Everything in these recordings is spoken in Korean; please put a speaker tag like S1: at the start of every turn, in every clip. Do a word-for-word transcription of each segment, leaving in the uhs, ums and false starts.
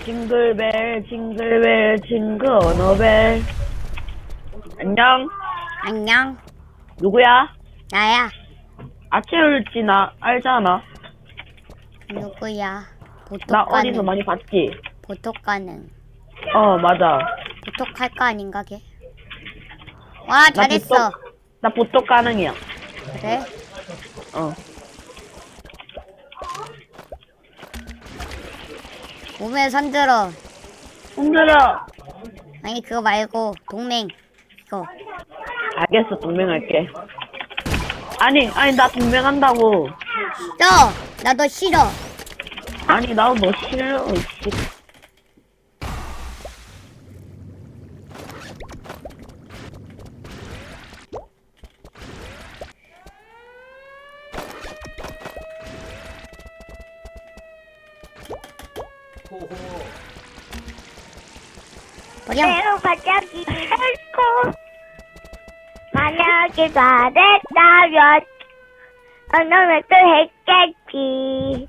S1: 징글벨 징글벨 징글너벨. 안녕.
S2: 안녕.
S1: 누구야?
S2: 나야.
S1: 아체울지 나 알잖아.
S2: 누구야?
S1: 나
S2: 보톡가는.
S1: 어디서 많이 봤지?
S2: 보톡가는.
S1: 어 맞아.
S2: 보톡할 거 아닌가 걔? 와
S1: 나
S2: 잘했어.
S1: 보톡, 나 보톡 가능이야.
S2: 그래?
S1: 어.
S2: 몸에 손들어.
S1: 흔들어.
S2: 아니 그거 말고 동맹. 이거.
S1: 알겠어, 동맹할게. 아니 아니 나 동맹한다고.
S2: 너! 나 너 싫어.
S1: 아니 나도 너 싫어. 씨.
S2: 버려.
S3: 매우 갑자기 했고 만약에 잘했다면 어느 또 했겠지.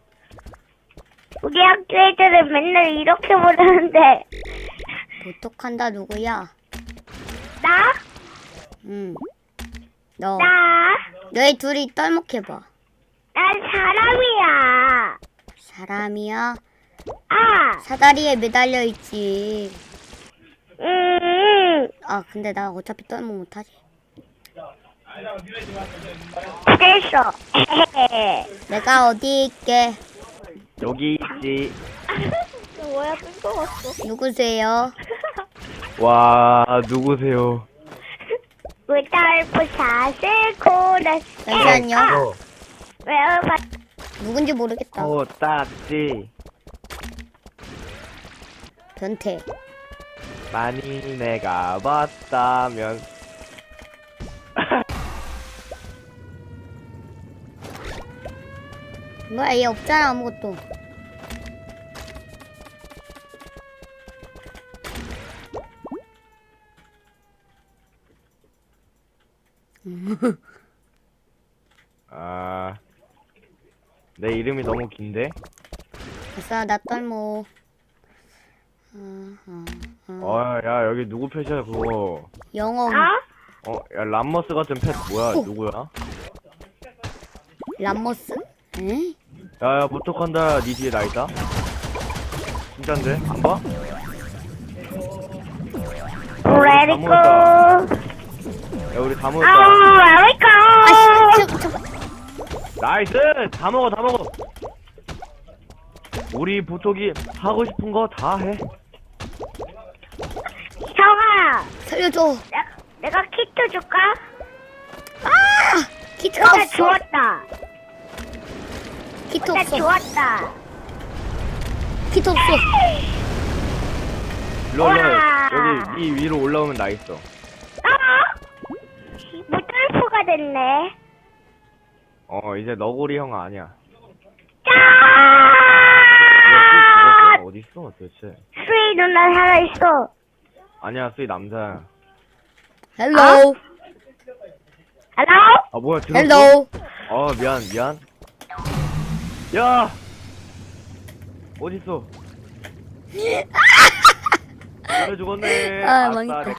S3: 우리 학교 애들은 맨날 이렇게 부르는데
S2: 보톡한다 누구야?
S3: 나?
S2: 응. 너.
S3: 나?
S2: 너희 둘이 떨목해봐.
S3: 난 사람이야.
S2: 사람이야?
S3: 아,
S2: 사다리에 매달려 있지.
S3: 음,
S2: 아 근데 나 어차피 떨목 못하지.
S3: 그래서
S2: 내가 어디 있게?
S4: 여기 있지.
S3: 뭐야 뜬금없어.
S2: 누구세요?
S4: 와, 누구세요?
S3: 루돌프 사슬코를
S2: 잠시만요.
S3: 외워봐.
S2: 누군지 모르겠다.
S4: 어, 딱지.
S2: 변태.
S4: 많이 내가 봤다면.
S2: 뭐야 얘 없잖아 아무것도.
S4: 아, 내 이름이 너무 긴데?
S2: 됐어 나 떨모. 어, 어, 어.
S4: 어, 야, 여기 누구 펫이야, 그거.
S2: 영어
S3: 어?
S4: 어, 야, 람머스 같은 펫 뭐야,
S2: 어.
S4: 누구야?
S2: 람모스? 에?
S4: 야, 야, 보톡한다. 니 뒤에 나 있다. 진짠데? 안 봐?
S3: Let it go.
S4: 야, 우리 다
S3: Oh,
S4: 먹었다.
S3: let it
S2: 아씨
S3: go.
S2: 잠깐.
S4: 나이스! 다 먹어, 다 먹어! 우리 보톡이 하고 싶은 거 다 해.
S3: 형아,
S2: 살려줘.
S3: 내가, 내가 키트 줄까?
S2: 아 키트가
S3: 나
S2: 없어.
S3: 주웠다.
S2: 키트
S3: 나
S2: 없어.
S3: 주웠다.
S2: 키트 없어.
S4: 일로, 일로.
S3: 우와.
S4: 여기 이 위로 올라오면 나 있어.
S3: 어? 무돌프가 됐네.
S4: 어, 이제 너구리 형 아니야.
S3: 짜!
S4: 야, 수이 죽었어? 어디 있어, 도대체?
S3: 수희 누나 살아있어.
S4: 아니야, 수이 남자야.
S2: 헬로.
S3: 헬로?
S4: 아, 뭐야, 들었어?
S2: 헬로.
S4: 어, 미안, 미안. 야! 어딨어? 그래 죽었네.
S2: 아,
S4: 아싸,
S2: 망했다.